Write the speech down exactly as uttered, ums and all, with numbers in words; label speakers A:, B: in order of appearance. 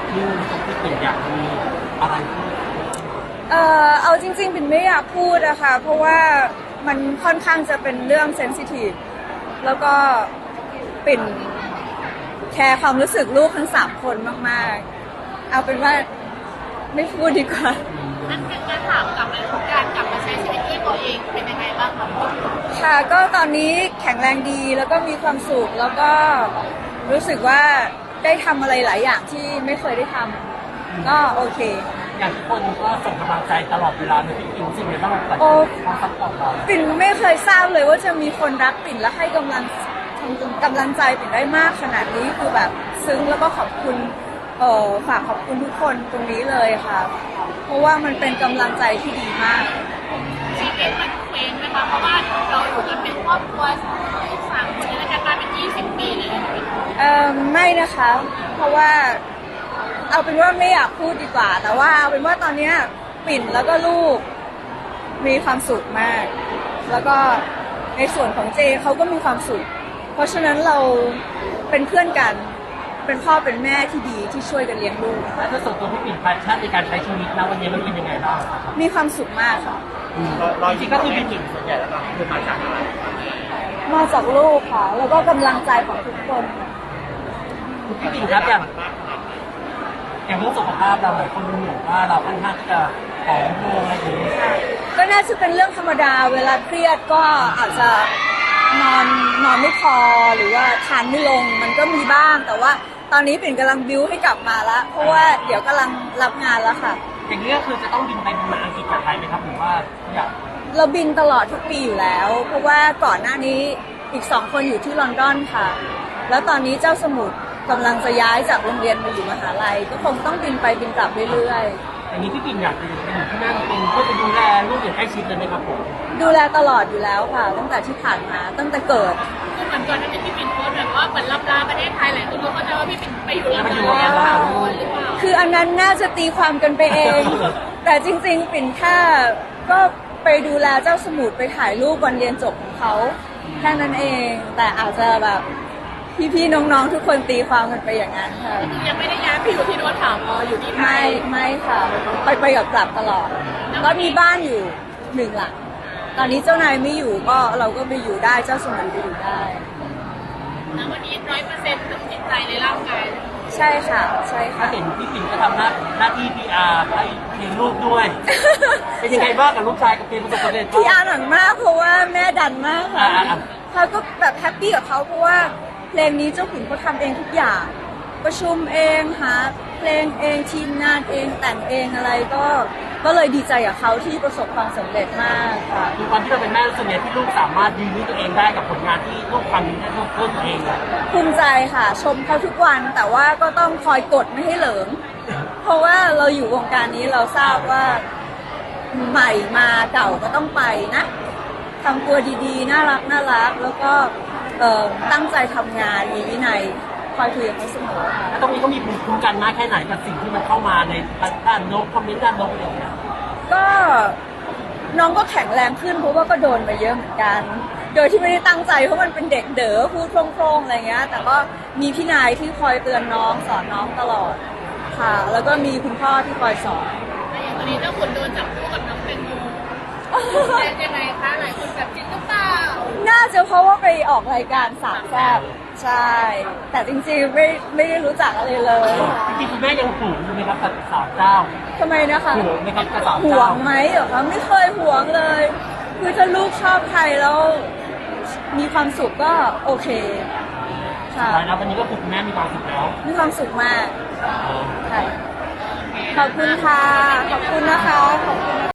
A: ที่ที่เป็นอยากมีอะไรพูด
B: เอ่อเอาจริงๆปิ่นไม่อยากพูดอะค่ะเพราะว่ามันค่อนข้างจะเป็นเรื่องเซนซิทีฟแล้วก็ปิ่นแคร์ความรู้สึกลูกทั้งสามคนมากๆเอาเป็นว่าไม่พูดดีกว่า
C: นั่นเป็นการถามกลับเลยของการกลับมาใช้ชีวิตด้วยตัวเองเป็นยังไงบ้างคะ
B: ค่ะก็ตอนนี้แข็งแรงดีแล้วก็มีความสุขแล้วก็รู้สึกว่าได้ทำอะไรหลายอย่างที่ไม่เคยได้ทำก็โอเค
A: อย่างทุกคนก็ส่งกำลังใจตลอดเวลาในพี่อิงสิ่งไหนบ้างแต่ความซัพพอร์ตเรา
B: ปิ่นไม่เคยทราบเลยว่าจะมีคนรักปิ่นและให้กำลังกำลังใจปิ่นได้มากขนาดนี้คือแบบซึ้งแล้วก็ขอบคุณเอ่อฝากขอบคุณทุกคนตรงนี้เลยค่ะเพราะว่ามันเป็นกำลังใจที่ดีมาก
C: ชีวิตมันเคว้งนะคะเพราะว่าเราอยู่กันเป็นครอบครัวสามคนในการมาเป็นยี่สิบปีเลย
B: เอ่อไม่นะคะเพราะว่าเอาเป็นว่าไม่อยากพูดดีกว่าแต่ว่าเอาเป็นว่าตอนนี้ปิ่นแล้วก็ลูกมีความสุขมากแล้วก็ในส่วนของเจเขาก็มีความสุขเพราะฉะนั้นเราเป็นเพื่อนกันเป็นพ่อเป็นแม่ที่ดีที่ช่วยกันเลี้ยงลูก
A: แล้วถ้าส่วนตัวพี่ปิ่นแพชชั่นในการใช้ชีวิตนะวันนี้มันเป็นยังไงบ้าง
B: มีความสุขมากค่ะ
A: รอยยิ้มก็คือพี่ปิ่นส่วนใหญ่แล้วก็คือมาจากอะไร
B: มาจากลูกค่ะแล้วก็กำลังใจของทุกคน
A: พี่ปิ่นครับอย่างอย่างเรื่องสุขภาพเราหลายคนดูเหมือนว่าเราค่อนข้างจะผอมลงอะไรอย่างนี้
B: ก็น่าจะเป็นเรื่องธรรมดาเวลาเครียดก็อาจจะนอนนอนไม่พอหรือว่าทานไม่ลงมันก็มีบ้างแต่ว่าตอนนี้ปิ่นกำลังบิ้วให้กลับมาแล้วเพราะว่าเดี๋ยวกำลังรับงานแล้วค่ะ
A: อย่างนี้ก็คือจะต้องบินไปบินมาอังกฤษกับไทยไหมครับหรือว่าอยาก
B: เราบินตลอดทุกปีอยู่แล้วเพราะว่าก่อนหน้านี้อีกสองคนอยู่ที่ลอนดอนค่ะแล้วตอนนี้เจ้าสมุทรกำลังจะย้ายจากโรงเรียนมาอยู่มหาลัยก็คงต้องบินไปบินกลับเรื่อย
A: ๆอย่างนี้พี่ปิ่นอยากจะอยู่ที่นั่นเป็นเพื่อจะดูแลลูกอย่างใกล้ชิดเลยไหมครับผม
B: ดูแลตลอดอยู่แล้วค่ะตั้งแต่ที่ผ่านมาตั้งแต่เกิด
C: คือเหมือนก่อนที่พี่ปิ่นโพสแบบว่าเหมือนลับลาประเทศไทยหลายคนก็เข้าใจว่าพี่ปิ่นไปอยู่ลอนดอนแล้วหรือเปล่า
B: คืออันนั้นน่าจะตีความกันไปเองแต่จริงๆปิ่นแค่ก็ไปดูแลเจ้าสมุทรไปถ่ายรูปวันเรียนจบของเขาแค่นั้นเองแต่อาจจะแบบพี่ๆน้องๆทุกคนตีความกันไปอย่างนั้นค่ะ
C: ยังไม่ได้ย้ายไปอยู่ที่โน้นถามอ๋ออยู่ที่ไท
B: ยไม่ไม่ค่ะไปไปกับกลับตลอดก็มีบ้านอยู่หนึ่งหลังตอนนี้เจ้านายไม่อยู่ก็เราก็ไปอยู่ได้เจ้าสมุนไปอยู่ได้
C: แล้ววันนี้ร้อยเปอร์เซ็นต์ทั้งจิตใจในร่างกาย
B: ใช่ค่ะใช่ค่ะ
A: เห็นพี่ปิ่นก็ทำหน้าหน้าที่ พี อาร์ ให้เลี้ยงลูกด้วยเป็นยังไงบ้างกับลูกชายกับเพลงประสบความสำเร็จ
B: พี อาร์ หนังมากเพราะว่าแม่ดันมากค่ะเขาก็แบบแฮปปี้กับเขาเพราะว่าเพลงนี้เจ้าขุนเขาทำเองทุกอย่างประชุมเองหาเพลงเองทีมงานเองแต่งเองอะไรก็ก็เลยดีใจกับเขาที่ประสบความสำเร็จมากค่ะ
A: คือวันที่เราเป็นแม่ส่วนใหญ่ที่ลูกสามารถยืนด้วยตัวเองได้กับผลงานที่ลูกทำได้ลูกเพิ่มตัวเองเลย
B: ภูมิใจค่ะชมเขาทุกวันแต่ว่าก็ต้องคอยกดไม่ให้เหลิงเพราะว่าเราอยู่วงการนี้เราทราบว่าใหม่มาเก่าก็ต้องไปนะทำตัวดีๆน่ารักน่ารักแล้วก็ตั้งใจทำงานมีวินัยคอยคุยกับเขาเสมอค่ะ
A: แล้วตรงนี้ก็มีภูมิคุ้มกันมากแค่ไหนกับสิ่งที่มันเข้ามาในด้านลบคอมเมนต์ด้านลบอะไรอย่างเงี้ย
B: ก็น้องก็แข็งแรงขึ้นเพราะว่าก็โดนมาเยอะเหมือนกันโดยที่ไม่ได้ตั้งใจเพราะมันเป็นเด็กเด๋อพูดโพร่งๆอะไรเงี้ยแต่ก็มีพี่นายที่คอยเตือนน้องสอนน้องตลอดค่ะแล้วก็มีคุณพ่อที่คอยสอน
C: อย่างวันนี้เจ้าขุนโดนจับคู่กับน้องแตงโมเป็นยังไงคะหลายคนแบบจริงหรือเปล่า
B: น่าจะเพราะว่าไปออกรายการสามแซ่บใช่แต่จริงๆไม่ไม่ได้รู้จักอะไรเลย
A: จริงๆคุณแม่ยังห่วงอยู่ไหมครับกับสาวเจ้า
B: ทำไมนะคะ
A: ห่วงไหมครับกับสาว
B: เจ้าห่วงไหมเหรอคะไม่เคยห่วงเลยคือถ้าลูกชอบใครแล้วมีความสุขก็โอเค
A: ค่ะแล้ววันนี้ก็คุณแม่มีความสุขแล้ว
B: มีความสุขมากค่ะขอบคุณค่ะขอบคุณนะคะขอบคุณ